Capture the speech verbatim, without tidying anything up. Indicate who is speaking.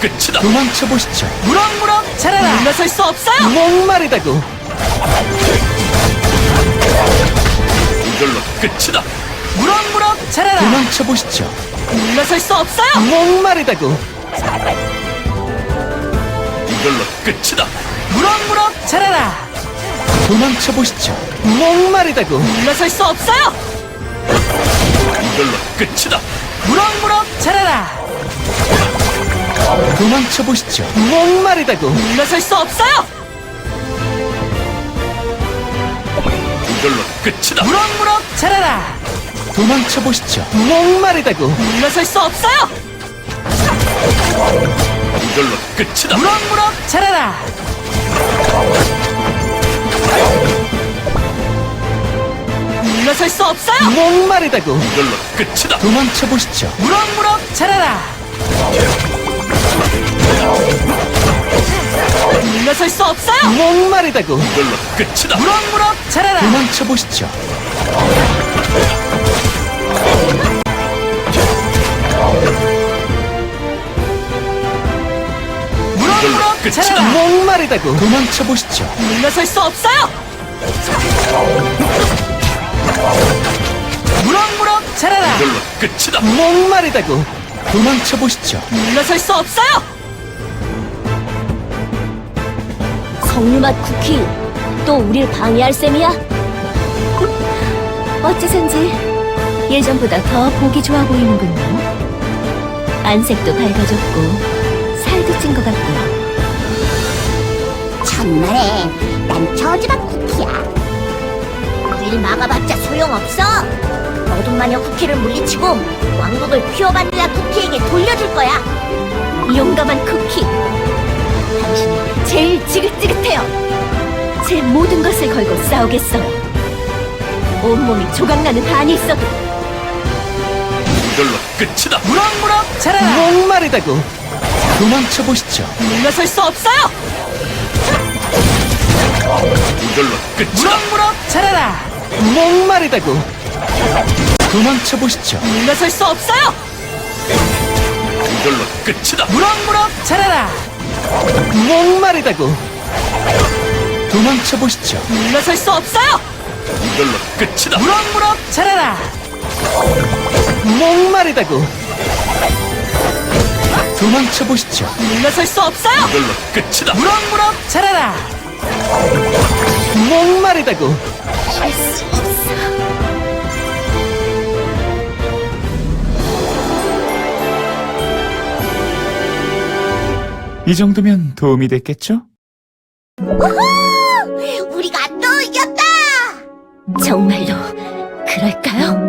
Speaker 1: 끝이다.
Speaker 2: 도망쳐 보시죠.
Speaker 3: 무럭무럭 자라라. 물러설 수 없어요.
Speaker 2: 목마르다고.
Speaker 1: 이걸로 끝이다.
Speaker 3: 무럭무럭 자라라.
Speaker 2: 도망쳐 보시죠.
Speaker 3: 물러설 수 없어요.
Speaker 2: 목마르다고.
Speaker 1: 이걸로 끝이다.
Speaker 3: 무럭무럭 자라라.
Speaker 2: 도망쳐 보시죠. 목마르다고.
Speaker 3: 물러설 수 없어요.
Speaker 1: 이걸로 끝이다.
Speaker 3: 무럭무럭 자라라.
Speaker 2: 도망쳐 보시죠. 목마르다고.
Speaker 3: 물러설 수 없어요.
Speaker 1: 이걸로 끝이다.
Speaker 3: 무럭무럭 자라라.
Speaker 2: 도망쳐 보시죠. 목마르다고.
Speaker 3: 물러설 수 없어요.
Speaker 1: 이걸로 끝이다.
Speaker 3: 무럭무럭 자라라. 물러설 수 없어요.
Speaker 2: 목마르다고.
Speaker 1: 이걸로 끝이다.
Speaker 2: 도망쳐 보시죠.
Speaker 3: 무럭무럭 자라라. 물러설 수 없어요.
Speaker 2: 목마르다고.
Speaker 1: 이걸로 끝이다.
Speaker 3: 무럭무럭 자라라.
Speaker 2: 도망쳐 보시죠.
Speaker 3: 무럭무럭
Speaker 1: 끝이다.
Speaker 3: 자라라.
Speaker 2: 목마르다고. 도망쳐 보시죠.
Speaker 3: 물러설 수 없어요. 무럭무럭 자라라.
Speaker 1: 이걸로 끝이다.
Speaker 2: 목마르다고. 도망쳐 보시죠.
Speaker 3: 물러설 수 없어요.
Speaker 4: 석류맛 쿠키, 또 우릴 방해할 셈이야? 어째선지 예전보다 더 보기 좋아 보이는군요. 안색도 밝아졌고 살도 찐 것 같고요.
Speaker 5: 정말에 난 저주받 쿠키야. 우릴 막아봤자 소용없어. 어둠 마녀 쿠키를 물리치고 왕국을 퓨어 바닐라 쿠키에게 돌려줄 거야.
Speaker 4: 용감한 쿠키, 당신이 제일 지긋지긋해요. 제 모든 것을 걸고 싸우겠어요. 온몸이 조각나는 한이 있어도.
Speaker 1: 이걸로 끝이다.
Speaker 3: 무럭무럭 자라라.
Speaker 2: 목마르다고. 도망쳐 보시죠.
Speaker 3: 물러설 수 없어요.
Speaker 1: 이걸로 끝이다.
Speaker 3: 무럭무럭 자라라.
Speaker 2: 목마르다고. 도망쳐 보시죠.
Speaker 3: 물러설 수 없어요.
Speaker 1: 이걸로 끝이다.
Speaker 3: 무럭무럭 자라라.
Speaker 2: 목마르다고. 도망쳐 보시죠.
Speaker 3: 물러설 수 없어요.
Speaker 1: 이걸로 끝이다.
Speaker 3: 무럭무럭 자라라.
Speaker 2: 목마르다고. 도망쳐 보시죠.
Speaker 3: 물러설 수 없어요.
Speaker 1: 이걸로 끝이다.
Speaker 3: 무럭무럭 자라라.
Speaker 2: 목마르다고.
Speaker 4: 할수 없어.
Speaker 2: 이 정도면 도움이 됐겠죠?
Speaker 5: 우리가 또 이겼다.
Speaker 4: 정말로 그럴까요?